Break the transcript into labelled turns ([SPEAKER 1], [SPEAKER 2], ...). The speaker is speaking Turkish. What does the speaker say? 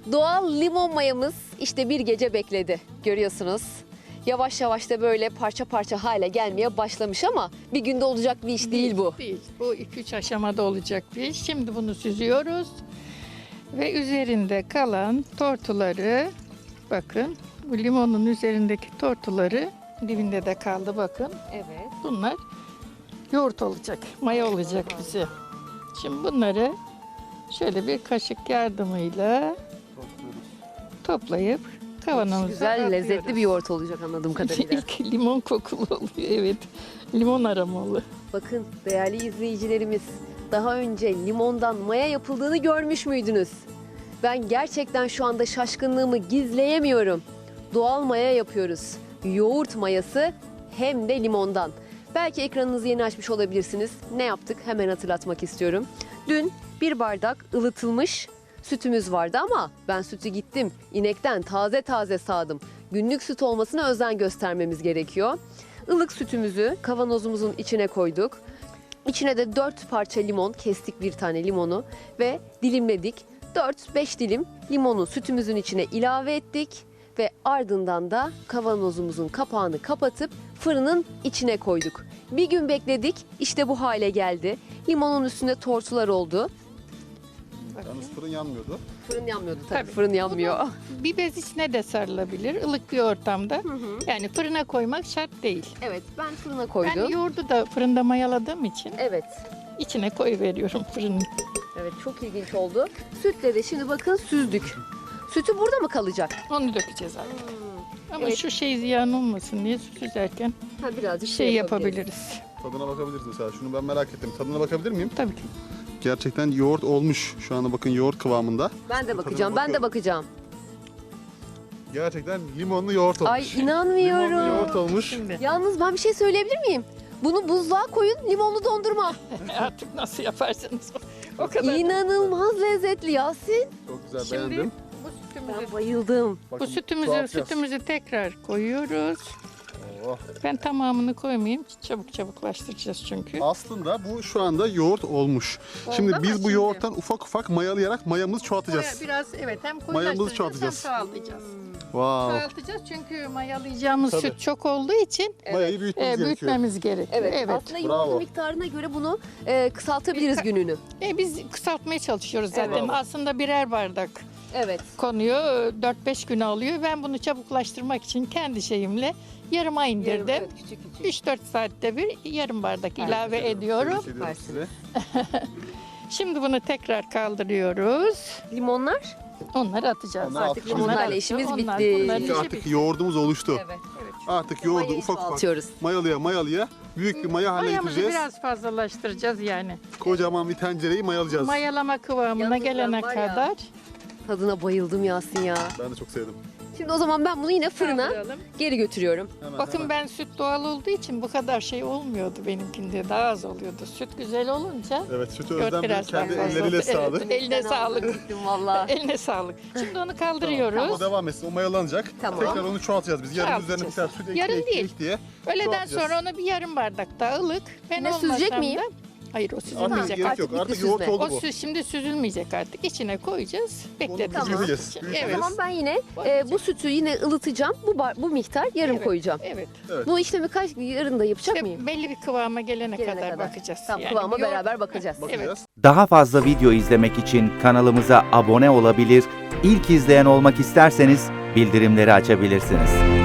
[SPEAKER 1] Doğal limon mayamız işte bir gece bekledi. Görüyorsunuz. Yavaş yavaş da böyle parça parça hale gelmeye başlamış ama bir günde olacak bir iş değil bu.
[SPEAKER 2] Değil. Bu 2-3 aşamada olacak bir iş. Şimdi bunu süzüyoruz. Ve üzerinde kalan tortuları, bakın bu limonun üzerindeki tortuları dibinde de kaldı bakın.
[SPEAKER 1] Evet.
[SPEAKER 2] Bunlar yoğurt olacak, maya olacak bize. Şimdi bunları şöyle bir kaşık yardımıyla toplayıp kavanozumuza
[SPEAKER 1] Güzel,
[SPEAKER 2] atıyoruz.
[SPEAKER 1] lezzetli bir yoğurt olacak anladığım kadarıyla.
[SPEAKER 2] İlk limon kokulu oluyor, evet. Limon aromalı.
[SPEAKER 1] Bakın değerli izleyicilerimiz, daha önce limondan maya yapıldığını görmüş müydünüz? Ben gerçekten şu anda şaşkınlığımı gizleyemiyorum. Doğal maya yapıyoruz. Yoğurt mayası hem de limondan. Belki ekranınızı yeni açmış olabilirsiniz. Ne yaptık? Hemen hatırlatmak istiyorum. Dün bir bardak ılıtılmış sütümüz vardı ama ben sütü gittim inekten taze taze sağdım. Günlük süt olmasına özen göstermemiz gerekiyor. Ilık sütümüzü kavanozumuzun içine koyduk. İçine de 4 parça limon, kestik bir tane limonu ve dilimledik. 4-5 dilim limonu sütümüzün içine ilave ettik ve ardından da kavanozumuzun kapağını kapatıp fırının içine koyduk. Bir gün bekledik, işte bu hale geldi. Limonun üstünde tortular oldu.
[SPEAKER 3] Yalnız fırın yanmıyordu.
[SPEAKER 1] Fırın yanmıyordu tabii,
[SPEAKER 2] Tabii.
[SPEAKER 1] fırın yanmıyor.
[SPEAKER 2] Bir bez içine de sarılabilir, ılık bir ortamda. Yani fırına koymak şart değil.
[SPEAKER 1] Evet, ben fırına koydum.
[SPEAKER 2] Ben yoğurdu da fırında mayaladığım için
[SPEAKER 1] Evet,
[SPEAKER 2] içine koyuveriyorum fırının.
[SPEAKER 1] evet çok ilginç oldu. Sütle de şimdi bakın süzdük. Sütü burada mı kalacak?
[SPEAKER 2] Onu dökeceğiz artık. Ama
[SPEAKER 1] Evet.
[SPEAKER 2] şu şey ziyan olmasın diye süzerken
[SPEAKER 1] Ha, birazcık
[SPEAKER 2] şey
[SPEAKER 1] yapabiliriz.
[SPEAKER 2] yapabiliriz.
[SPEAKER 3] Tadına bakabiliriz mesela. Şunu ben merak ettim. Tadına bakabilir miyim?
[SPEAKER 2] Tabii ki.
[SPEAKER 3] Gerçekten yoğurt olmuş. Şu anda bakın yoğurt kıvamında.
[SPEAKER 1] Ben de bakacağım, ben de
[SPEAKER 3] bakıyorum.
[SPEAKER 1] bakacağım.
[SPEAKER 3] Gerçekten limonlu yoğurt olmuş.
[SPEAKER 1] Ay inanmıyorum.
[SPEAKER 3] Limonlu yoğurt olmuş.
[SPEAKER 2] Şimdi
[SPEAKER 1] Yalnız ben bir şey söyleyebilir miyim? Bunu buzluğa koyun, limonlu dondurma.
[SPEAKER 2] artık nasıl yaparsanız o kadar.
[SPEAKER 1] İnanılmaz lezzetli Yasin.
[SPEAKER 3] Çok güzel
[SPEAKER 2] Şimdi
[SPEAKER 3] beğendim.
[SPEAKER 2] bu sütümüzü,
[SPEAKER 1] Ben bayıldım.
[SPEAKER 3] Bakın,
[SPEAKER 2] bu
[SPEAKER 3] tuhaf
[SPEAKER 2] sütümüzü tekrar koyuyoruz.
[SPEAKER 3] Oh.
[SPEAKER 2] Ben tamamını koymayayım. Çabuklaştıracağız çünkü.
[SPEAKER 3] Aslında bu şu anda yoğurt olmuş.
[SPEAKER 2] Oldu
[SPEAKER 3] Şimdi
[SPEAKER 2] ama
[SPEAKER 3] biz bu
[SPEAKER 2] şimdi-
[SPEAKER 3] yoğurttan ufak ufak mayalayarak mayamızı çoğaltacağız.
[SPEAKER 2] Biraz evet hem
[SPEAKER 3] Mayamızı
[SPEAKER 2] koyulaştıracağız hem
[SPEAKER 3] çoğaltacağız.
[SPEAKER 2] çoğaltacağız.
[SPEAKER 3] Wow.
[SPEAKER 2] Çoğaltacağız çünkü mayalayacağımız
[SPEAKER 3] Tabii.
[SPEAKER 2] süt çok olduğu için
[SPEAKER 3] Mayayı büyütmemiz gerekiyor.
[SPEAKER 2] büyütmemiz gerekiyor.
[SPEAKER 1] Evet, aslında
[SPEAKER 3] Bravo.
[SPEAKER 1] yoğurdun miktarına göre bunu kısaltabiliriz gününü.
[SPEAKER 2] Biz kısaltmaya çalışıyoruz zaten.
[SPEAKER 3] Evet.
[SPEAKER 2] Aslında birer bardak
[SPEAKER 1] Evet.
[SPEAKER 2] konuyor. 4-5 gün alıyor. Ben bunu çabuklaştırmak için kendi şeyimle yarıma indirdim.
[SPEAKER 1] Evet, küçük küçük.
[SPEAKER 2] 3-4 saatte bir yarım bardak ilave ediyorum.
[SPEAKER 3] Tebrik ediyorum size.
[SPEAKER 2] Şimdi bunu tekrar kaldırıyoruz.
[SPEAKER 1] Limonlar?
[SPEAKER 2] Onları atacağız.
[SPEAKER 3] Onları
[SPEAKER 1] Artık
[SPEAKER 3] atacağız.
[SPEAKER 1] limonlarla
[SPEAKER 2] Onlar-
[SPEAKER 1] işimiz
[SPEAKER 2] onlar-
[SPEAKER 1] bitti.
[SPEAKER 2] bunların
[SPEAKER 3] Çünkü
[SPEAKER 2] işi
[SPEAKER 3] artık
[SPEAKER 2] bitti.
[SPEAKER 3] yoğurdumuz oluştu.
[SPEAKER 1] Evet.
[SPEAKER 3] Artık yoğurdu
[SPEAKER 1] Mayayı
[SPEAKER 3] ufak ufak
[SPEAKER 1] çoğaltıyoruz.
[SPEAKER 3] mayalaya büyük bir maya haline
[SPEAKER 2] Mayamızı
[SPEAKER 3] getireceğiz.
[SPEAKER 2] biraz fazlalaştıracağız yani.
[SPEAKER 3] Kocaman bir tencereyi mayalayacağız.
[SPEAKER 2] Mayalama kıvamına
[SPEAKER 1] Yalnız ben
[SPEAKER 2] gelene
[SPEAKER 1] var ya-
[SPEAKER 2] kadar.
[SPEAKER 1] Tadına bayıldım Yasin ya.
[SPEAKER 3] Ben de çok sevdim.
[SPEAKER 1] Şimdi o zaman ben bunu yine fırına
[SPEAKER 2] Kaldıralım.
[SPEAKER 1] geri götürüyorum.
[SPEAKER 3] Hemen,
[SPEAKER 2] Bakın
[SPEAKER 3] hemen.
[SPEAKER 2] ben süt doğal olduğu için bu kadar şey olmuyordu benimkinde. Daha az oluyordu. Süt güzel olunca
[SPEAKER 3] Evet, sütü
[SPEAKER 2] yoğurt
[SPEAKER 3] Özlem Bey
[SPEAKER 2] biraz
[SPEAKER 3] kendi
[SPEAKER 2] daha fazla
[SPEAKER 3] elleriyle
[SPEAKER 2] oldu.
[SPEAKER 3] sağdı.
[SPEAKER 2] Evet, eline sağlık.
[SPEAKER 1] Gittim valla.
[SPEAKER 2] Eline sağlık. Şimdi onu kaldırıyoruz.
[SPEAKER 3] O devam etsin, o mayalanacak.
[SPEAKER 1] Tamam.
[SPEAKER 3] Tekrar onu çoğaltacağız biz. Yarın üzerine bir
[SPEAKER 2] Çoğaltacağız.
[SPEAKER 3] tane süt
[SPEAKER 2] Yarın
[SPEAKER 3] ekleye
[SPEAKER 2] değil.
[SPEAKER 3] diye.
[SPEAKER 2] Öğleden
[SPEAKER 3] çoğaltacağız.
[SPEAKER 2] sonra onu bir yarım bardak daha ılık. Ben
[SPEAKER 1] Yine süzecek
[SPEAKER 2] olmasam
[SPEAKER 1] miyim?
[SPEAKER 2] da- Hayır o
[SPEAKER 3] Artık
[SPEAKER 2] süzülmeyecek.
[SPEAKER 3] gerek
[SPEAKER 2] Artık
[SPEAKER 3] yok.
[SPEAKER 1] bitti
[SPEAKER 3] Artık
[SPEAKER 1] süzme.
[SPEAKER 3] yoğurt oldu
[SPEAKER 2] o
[SPEAKER 3] bu.
[SPEAKER 2] süt şimdi süzülmeyecek artık. İçine koyacağız. Bekleteceğiz.
[SPEAKER 3] büyüteceğiz,
[SPEAKER 2] Evet.
[SPEAKER 3] büyüteceğiz.
[SPEAKER 1] O zaman ben yine bu sütü yine ılıtacağım. Bu miktar yarım
[SPEAKER 2] Evet.
[SPEAKER 1] koyacağım.
[SPEAKER 2] Evet.
[SPEAKER 3] Evet.
[SPEAKER 1] Bu işlemi yarın da yapacak
[SPEAKER 2] İşte
[SPEAKER 1] mıyım?
[SPEAKER 2] belli bir kıvama gelene
[SPEAKER 1] Gelene
[SPEAKER 2] kadar
[SPEAKER 1] kadar.
[SPEAKER 2] bakacağız.
[SPEAKER 1] Tamam,
[SPEAKER 2] Yani
[SPEAKER 1] kıvama
[SPEAKER 2] bir yoğurt-
[SPEAKER 1] beraber bakacağız.
[SPEAKER 3] Bakacağız.
[SPEAKER 4] Daha fazla video izlemek için kanalımıza abone olabilir, ilk izleyen olmak isterseniz bildirimleri açabilirsiniz.